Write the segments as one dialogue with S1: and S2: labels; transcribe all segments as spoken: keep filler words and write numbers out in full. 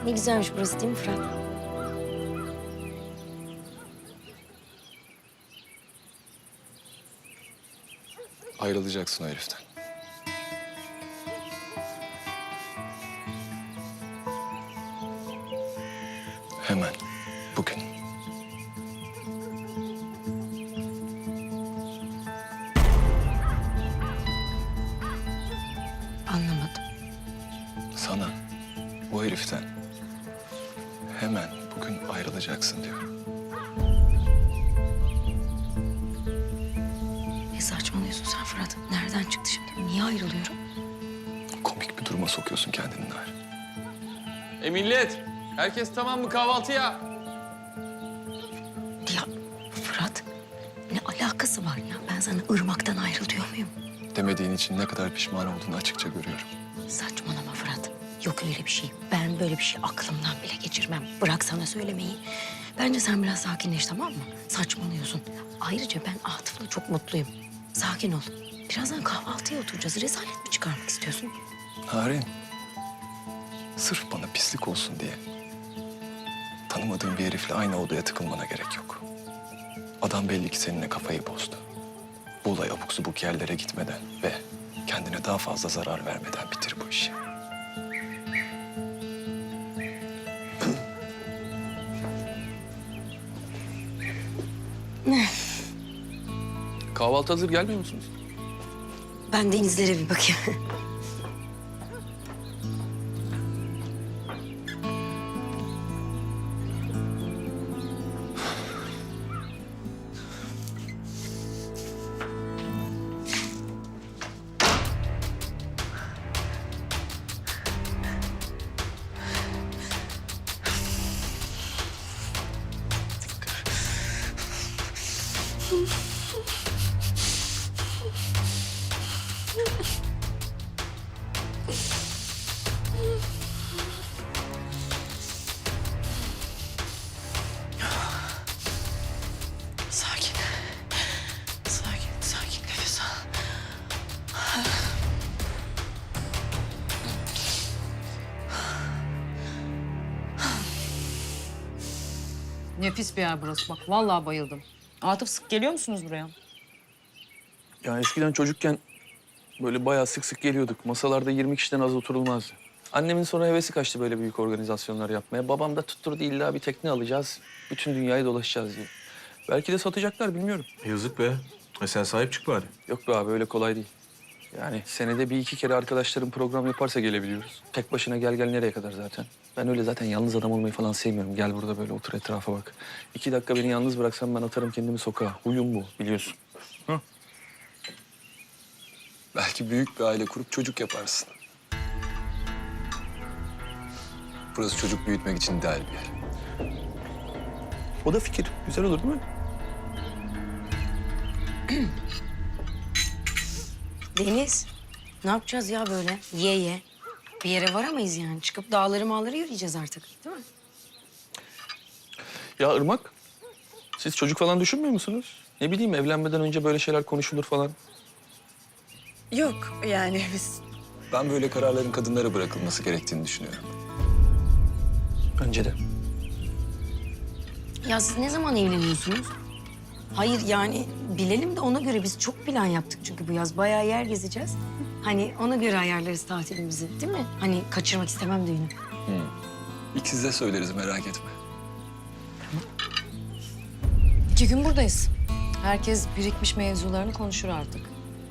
S1: Ne güzelmiş burası değil mi Fırat?
S2: Ayrılacaksın o heriften. Hemen, bugün.
S1: Anlamadım.
S2: Sana, bu heriften hemen bugün ayrılacaksın diyor.
S1: Ne saçmalıyorsun sen Fırat? Nereden çıktı şimdi? Niye ayrılıyorum?
S2: Komik bir duruma sokuyorsun kendini Narin.
S3: E millet, herkes tamam mı kahvaltıya?
S1: Ya Fırat, ne alakası var ya? Ben sana ırmaktan ayrıl diyor muyum?
S2: Demediğin için ne kadar pişman olduğunu açıkça görüyorum.
S1: Saçmalama Fırat. Yok öyle bir şey. Ben böyle bir şey aklımdan bile geçirmem. Bırak sana söylemeyi. Bence sen biraz sakinleş, tamam mı? Saçmalıyorsun. Ayrıca ben Atıf'la çok mutluyum. Sakin ol. Birazdan kahvaltıya oturacağız. Rezalet mi çıkarmak istiyorsun?
S2: Narin, sırf bana pislik olsun diye tanımadığın bir herifle aynı odaya tıkılmana gerek yok. Adam belli ki seninle kafayı bozdu. Bu olay abuk subuk yerlere gitmeden ve kendine daha fazla zarar vermeden bitir bu işi.
S3: Kahvaltı hazır, gelmiyor musunuz?
S1: Ben denizlere bir bakayım. Sakin. Sakin, sakin. Nefes al.
S4: Nefis bir yer burası bak. Vallahi bayıldım. Atıf, sık geliyor musunuz buraya?
S5: Ya eskiden çocukken böyle bayağı sık sık geliyorduk. Masalarda yirmi kişiden az oturulmazdı. Annemin sonra hevesi kaçtı böyle büyük organizasyonlar yapmaya. Babam da tutturdu, illa bir tekne alacağız. Bütün dünyayı dolaşacağız diye. Belki de satacaklar, bilmiyorum.
S6: Yazık be. E sen sahip çık bari.
S5: Yok be abi, öyle kolay değil. Yani senede bir iki kere arkadaşlarım program yaparsa gelebiliyoruz. Tek başına gel gel nereye kadar zaten. Ben öyle zaten yalnız adam olmayı falan sevmiyorum. Gel burada böyle otur, etrafa bak. İki dakika beni yalnız bıraksan ben atarım kendimi sokağa. Huyum bu, biliyorsun.
S2: Belki büyük bir aile kurup çocuk yaparsın. Burası çocuk büyütmek için ideal bir yer.
S5: O da fikir. Güzel olur değil mi?
S1: Deniz, ne yapacağız ya böyle? Ye ye. Bir yere varamayız yani. Çıkıp dağları mağları yürüyeceğiz artık, değil mi?
S5: Ya Irmak, siz çocuk falan düşünmüyor musunuz? Ne bileyim, evlenmeden önce böyle şeyler konuşulur falan.
S7: Yok yani biz
S2: Ben böyle kararların kadınlara bırakılması gerektiğini düşünüyorum.
S5: Bence de.
S1: Ya siz ne zaman evleniyorsunuz? Hayır yani bilelim de ona göre biz çok plan yaptık çünkü bu yaz bayağı yer gezeceğiz. Hani ona göre ayarlarız tatilimizi, değil mi? Hani kaçırmak istemem düğünü.
S2: İkisi de söyleriz, merak etme.
S4: İki gün buradayız. Herkes birikmiş mevzularını konuşur artık.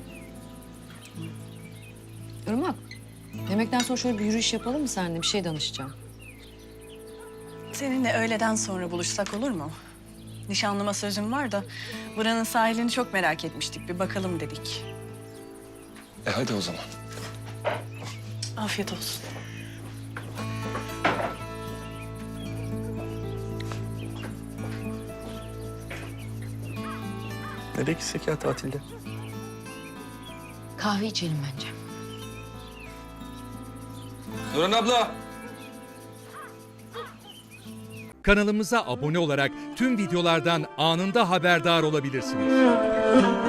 S4: Irmak, yemekten sonra şöyle bir yürüyüş yapalım mı seninle? Bir şey danışacağım.
S7: seninle öğleden sonra buluşsak olur mu? Nişanlıma sözüm var da buranın sahilini çok merak etmiştik. Bir bakalım dedik.
S2: E hadi o zaman.
S7: Afiyet olsun.
S5: Nereye gitsek ya tatilde?
S1: Kahve içelim bence.
S3: Nurhan abla.
S8: Kanalımıza abone olarak tüm videolardan anında haberdar olabilirsiniz.